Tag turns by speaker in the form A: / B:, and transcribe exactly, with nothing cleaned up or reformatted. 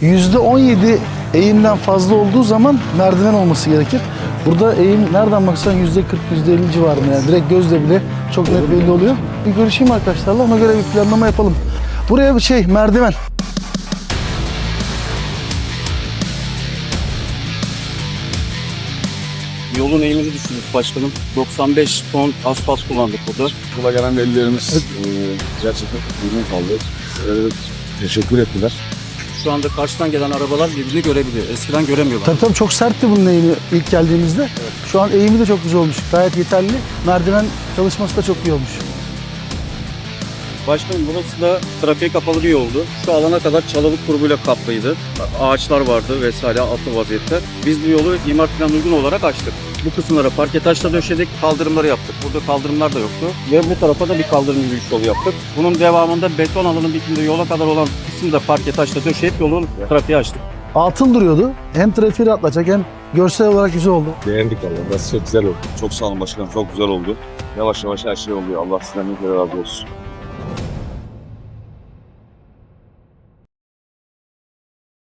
A: yüzde on yedi eğimden fazla olduğu zaman merdiven olması gerekir. Burada eğim nereden baksan yüzde kırk yüzde elli civarında, yani direkt gözle bile çok net belli oluyor. Bir görüşeyim arkadaşlarla, ona göre bir planlama yapalım. Buraya bir şey merdiven.
B: Yolun eğimini düşündük başkanım. doksan beş ton asfalt kullandık burada.
C: Yola gelen velilerimiz e, gerçekten memnun kaldı. E, teşekkür ettiler.
B: Şu anda karşıdan gelen arabalar birbirini görebiliyor. Eskiden göremiyorlar.
A: Tabii tabii çok sertti bunun eğimi ilk geldiğimizde. Evet. Şu an eğimi de çok güzel olmuş. Gayet yeterli. Merdiven çalışması da çok iyi olmuş.
B: Başkanım burası da trafiğe kapalı bir yoldu. Şu alana kadar çalılık grubuyla kaplıydı. Ağaçlar vardı vesaire altı vaziyette. Biz bu yolu imar planı uygun olarak açtık. Bu kısımlara parke taşla döşedik, kaldırımları yaptık. Burada kaldırımlar da yoktu. Ve bu tarafa da bir kaldırım yürüyüş yolu yaptık. Bunun devamında beton alanın bitiminde yola kadar olan kısmı da parke taşla döşeyip yolu trafiğe açtık.
A: Atıl duruyordu. Hem trafiği rahatlatacak hem görsel olarak güzel oldu.
C: Beğendik valla. Burası çok güzel oldu. Çok sağ olun başkanım. Çok güzel oldu. Yavaş yavaş her şey oluyor. Allah sizden ne kadar razı olsun.